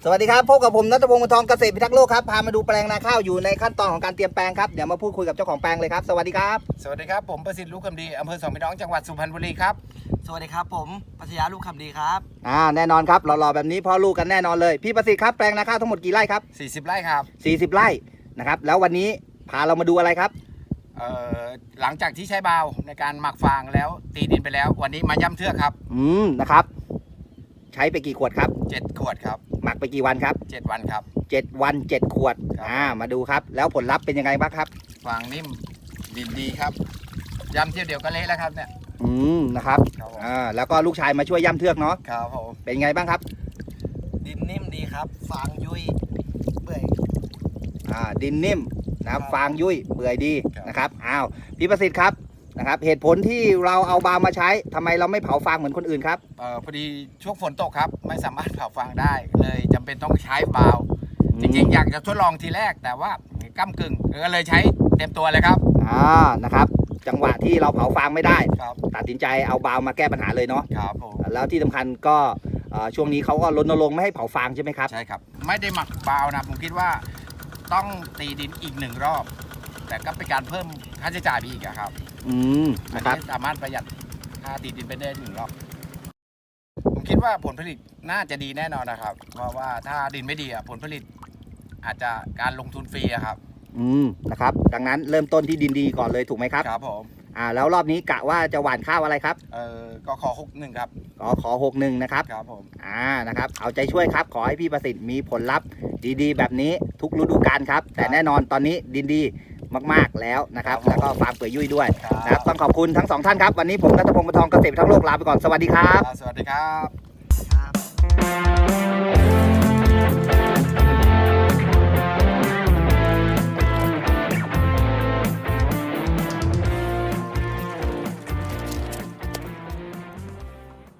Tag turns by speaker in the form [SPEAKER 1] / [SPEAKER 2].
[SPEAKER 1] วัสดีครับพบกับผมณัฐพงศ์ วงศ์ทองเกษตรพิทักษ์โลกครับพามาดูแปลงนาข้าวอยู่ในขั้นตอนของการเตรียมแปลงครับเดี๋ยวมาพูดคุยกับเจ้าของแปลงเลยครับสวัสดีครับ
[SPEAKER 2] สวัสดีครับผมประสิทธิ์ลูกคำดีอำเภอสองพี่น้องจังหวัดสุพรรณบุรีครับ
[SPEAKER 3] สวัสดีครับผมปัทยาลูกคำดีครับ
[SPEAKER 1] แน่นอนครับหล่อๆแบบนี้พ่อลูกกันแน่นอนเลยพี่ประสิทธิ์ครับแปลงนาข้าวทั้งหมดกี่ไร่ครับ
[SPEAKER 2] 40 ไร่ครับ
[SPEAKER 1] 40 ไร่นะครับแล้ววันนี้พาเรามาดูอะไรครับ
[SPEAKER 2] หลังจากที่ใช้บาวในการหมักฟางแล้วตีดินไปแล้ววันนี้มาย่ำเทือกครับ
[SPEAKER 1] นะครับใช้ไปกี่ขวดครับ
[SPEAKER 2] 7 ขวดครับ
[SPEAKER 1] หมักไปกี่วันครับ
[SPEAKER 2] 7 วันครับ
[SPEAKER 1] 7 วัน 7 ขวดมาดูครับแล้วผลลัพธ์เป็นยังไงบ้างครับ
[SPEAKER 2] ฟางนิ่มดินดีครับย่ำเที่ยวเดียวก็เละแล้วครับเนี่ย
[SPEAKER 1] นะครับแล้วก็ลูกชายมาช่วยย่ำเทือกเนาะ
[SPEAKER 2] ครับผม
[SPEAKER 1] เป็นไงบ้างครับ
[SPEAKER 3] ดินนิ่มดีครับฟางยุยเปื่อย
[SPEAKER 1] ดินนิ่มนะครับฟางยุ่ยเปื่อยดีนะครับพี่ประสิทธิ์ครับนะครับเหตุผลที่เราเอาบาวมาใช้ทำไมเราไม่เผาฟางเหมือนคนอื่นครับ
[SPEAKER 2] พอดีช่วงฝนตกครับไม่สามารถเผาฟางได้เลยจำเป็นต้องใช้บาวจริงๆอยากจะทดลองทีแรกแต่ว่าก้ำกึ่งก็เลยใช้เต็มตัวเลยครับ
[SPEAKER 1] นะครับจังหวะที่เราเผาฟางไม่ได้ตัดสินใจเอาบาวมาแก้ปัญหาเลยเนาะ
[SPEAKER 2] ครับผม
[SPEAKER 1] แล้วที่สำคัญก็ช่วงนี้เขาก็รณรงค์ไม่ให้เผาฟางใช่ไหมครับ
[SPEAKER 2] ใช่ครับไม่ได้หมักบาวนะผมคิดว่าต้องตีดินอีก1 รอบแต่ก็เป็นการเพิ่มค่าใช้จ่ายไปอีกครับ
[SPEAKER 1] นะครับ
[SPEAKER 2] สามารถประหยัดค่าตีดินไปได้1 รอบผมคิดว่าผลผลิตน่าจะดีแน่นอนนะครับเพราะว่าถ้าดินไม่ดีผลผลิตอาจจะการลงทุนฟรีครับ
[SPEAKER 1] นะครับดังนั้นเริ่มต้นที่ดินดีก่อนเลยถูกไหมครับ
[SPEAKER 2] ครับผม
[SPEAKER 1] แล้วรอบนี้กะว่าจะหว่านข้าวอะไรครับ
[SPEAKER 2] ก็ขอ61ครับ
[SPEAKER 1] ขอ61นะครับ
[SPEAKER 2] ครับผม
[SPEAKER 1] นะครับเอาใจช่วยครับขอให้พี่ประสิทธิ์มีผลลัพธ์ดีๆแบบนี้ทุกฤดูกาลครับแต่แน่นอนตอนนี้ดินดีมากๆแล้วนะครับแล้วก็ฟาร์มเปื่อยยุ่ยด้วยนะครับต้องขอบคุณทั้ง2 ท่านครับวันนี้ผมณัฐพงศ์ วงศ์ทองเกษตรพิทักษ์โลกลาไปก่อนสวัสดีครับ
[SPEAKER 2] สวัสดีครับ